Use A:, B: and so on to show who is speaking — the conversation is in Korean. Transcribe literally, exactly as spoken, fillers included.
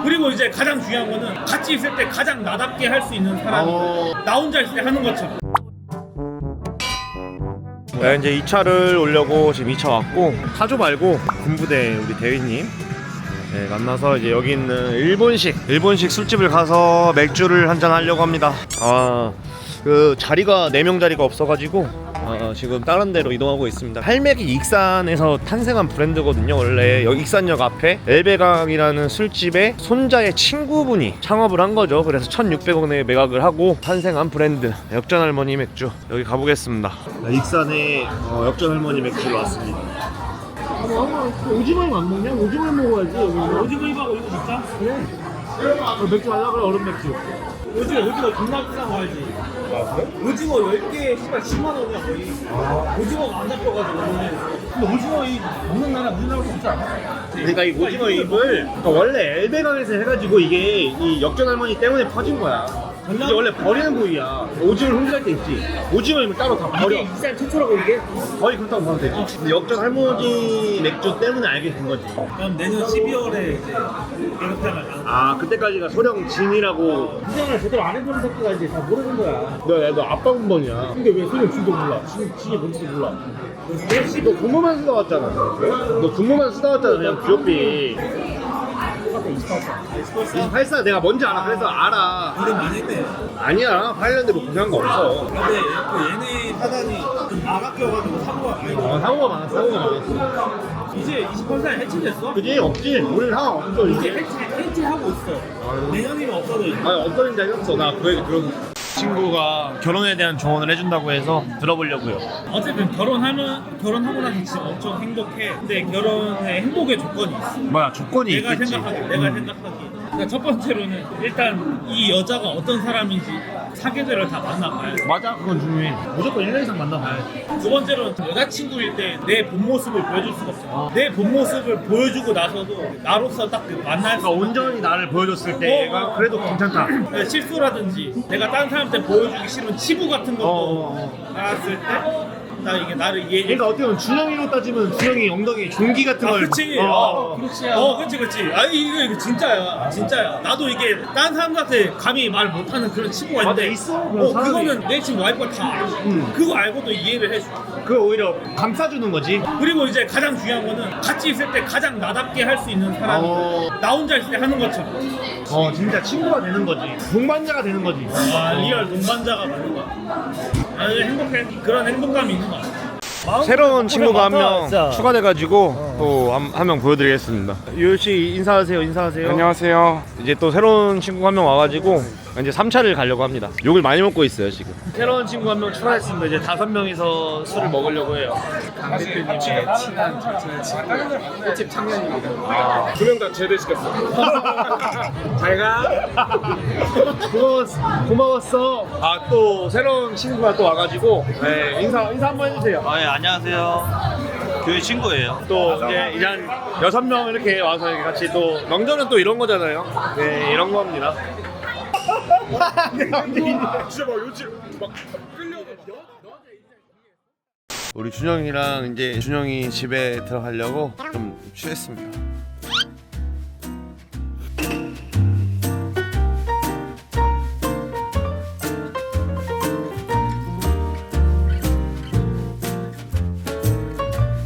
A: 그리고 이제 가장 중요한 거는 같이 있을 때 가장 나답게 할 수 있는 사람이
B: 어...
A: 나 혼자 있을 때 하는 것처럼.
B: 네, 이제 이 차를 오려고 지금 이 차 왔고, 타조 말고 군부대 우리 대위님 네, 만나서 이제 여기 있는 일본식 일본식 술집을 가서 맥주를 한잔 하려고 합니다. 아, 그 자리가 네 명 자리가 없어가지고 어, 지금 다른 데로 이동하고 있습니다. 할맥이 익산에서 탄생한 브랜드거든요. 원래 여기 익산역 앞에 엘베강이라는 술집에 손자의 친구분이 창업을 한 거죠. 그래서 천육백 원에 매각을 하고 탄생한 브랜드 역전할머니 맥주. 여기 가보겠습니다. 익산에 어, 역전할머니 맥주로 왔습니다. 오징어 안 먹냐? 오징어 먹어야지.
A: 오징어 입하고 이거 먹자.
B: 그래. 맥주 하려고 그래. 얼음 맥주.
A: 오징어 오징어 존나 비싼 거 알지?
B: 아 그래?
A: 오징어 열 개에 씨발 십만 원이야 거의. 아. 오징어가 안 잡혀가지고. 근데 오징어 이 먹는 나라 우리나라도 없지 않아?
B: 그러니까 이 오징어 잎을 그러니까 원래 엘베강에서 해가지고 이게 이 역전할머니 때문에 퍼진 거야. 이게 원래 버리는 부위야. 오징어를 혼자 할 때 있지. 오징어 잎을 따로 다 버려.
A: 이게 익산 최초라고 이게?
B: 거의 그렇다고 보면 되지. 근데 역전할머니 맥주 때문에 알게 된 거지.
A: 그럼 내년 십이월에 이제 이렇게 하면
B: 아 그때까지가 소령 진이라고.
A: 인생을 제대로 안 해보는 새끼가 이제 다 모르는 거야.
B: 너, 너 아빠 군번이야.
A: 근데 왜 소령 진도 몰라? 진, 진이 뭔지도 몰라.
B: 너 군무만 쓰다 왔잖아. 너 군무만 쓰다 왔잖아. 그냥 귀엽비. 이십팔 사 내가 뭔지 알아. 그래서 알아.
A: 이름 많이 했네.
B: 아니야. 팔 년대 뭐 고생한 거 없어.
A: 근데 그 얘네 사단이 좀 나가껴가지고 사고가 많이 나.
B: 어, 사고가 많았어. 사고가 많았어.
A: 이제 이십팔 사에 해체됐어?
B: 그지? 없지. 우리는 상황 없어
A: 이제
B: 이제.
A: 해체, 해체하고 있어.
B: 아유.
A: 내년이면 없어져 있어.
B: 아니 어떤 인지 알겠어. 나 그 얘기 들었어. 친구가 결혼에 대한 조언을 해준다고 해서 들어보려고요.
A: 어쨌든 결혼하면 결혼하고 나서 지금 엄청 행복해. 근데 결혼의 행복의 조건이 있어.
B: 뭐야 조건이
A: 내가
B: 있겠지.
A: 생각하기, 내가 생각하기. 그러니까 첫 번째로는 일단 이 여자가 어떤 사람인지 사계절을 다 만나봐야 돼.
B: 맞아 그건 중요해. 무조건 일 년 이상 만나봐야지.
A: 두 번째로는 여자친구일 때 내 본 모습을 보여줄 수가 없어. 내 본 모습을 보여주고 나서도 나로서 딱 그 만날 수
B: 그러니까 온전히 나를 보여줬을 때가
A: 어,
B: 그래도
A: 어.
B: 괜찮다.
A: 네, 실수라든지 내가 다른 사람한테 보여주기 싫은 치부 같은 것도
B: 어, 어,
A: 알았을 때 나 이게 나를 이해해.
B: 그러니까 어떻게 보면 준영이로 따지면 준영이 엉덩이 종기 같은
A: 아,
B: 걸.
A: 그치.
B: 어,
A: 어,
B: 어.
A: 그렇지. 어, 그렇지, 그렇지. 아니 이거 이거 진짜야, 진짜야. 나도 이게 다른 사람한테 감히 말 못하는 그런 친구가
B: 맞아,
A: 있는데,
B: 있어. 그런
A: 어,
B: 사람이.
A: 그거는 내 지금 와이프가 다 알아.
B: 음.
A: 그거 알고도 이해를 해줘.
B: 그거 오히려 감싸주는 거지.
A: 그리고 이제 가장 중요한 거는 같이 있을 때 가장 나답게 할 수 있는 사람이
B: 어.
A: 나 혼자 있을 때 하는 것처럼.
B: 어 진짜 친구가 되는 거지. 동반자가 되는 거지.
A: 아, 리얼 동반자가 되는 거야. 아, 이제 행복해. 그런 행복감이 있는 거야.
B: 새로운 친구가 한 명
C: 진짜.
B: 추가돼가지고 또 한 명 보여드리겠습니다. 유효씨 인사하세요. 인사하세요.
C: 안녕하세요.
B: 이제 또 새로운 친구 한 명 와가지고 이제 삼 차를 가려고 합니다. 욕을 많이 먹고 있어요 지금. 새로운 친구 한 명 추가했습니다. 이제 다섯 명이서 술을 먹으려고 해요.
C: 강 대표님의 친한 절친한 친구 횟집 청년입니다. 두 명 다 제대시켰어.
B: 잘가. 고마웠어. 고마웠어. 아 또 새로운 친구가 또 와가지고 네, 인사 인사 한번 해주세요.
D: 아, 예, 안녕하세요. 교회 친구예요.
B: 또 이제 이제 한 여섯 명 이렇게 와서 이렇게 같이 또 명절은 또 이런 거잖아요. 네 이런 겁니다. 진짜 막 요즘 막 끌려가. 우리 준영이랑 이제 준영이 집에 들어가려고 좀 취했습니다.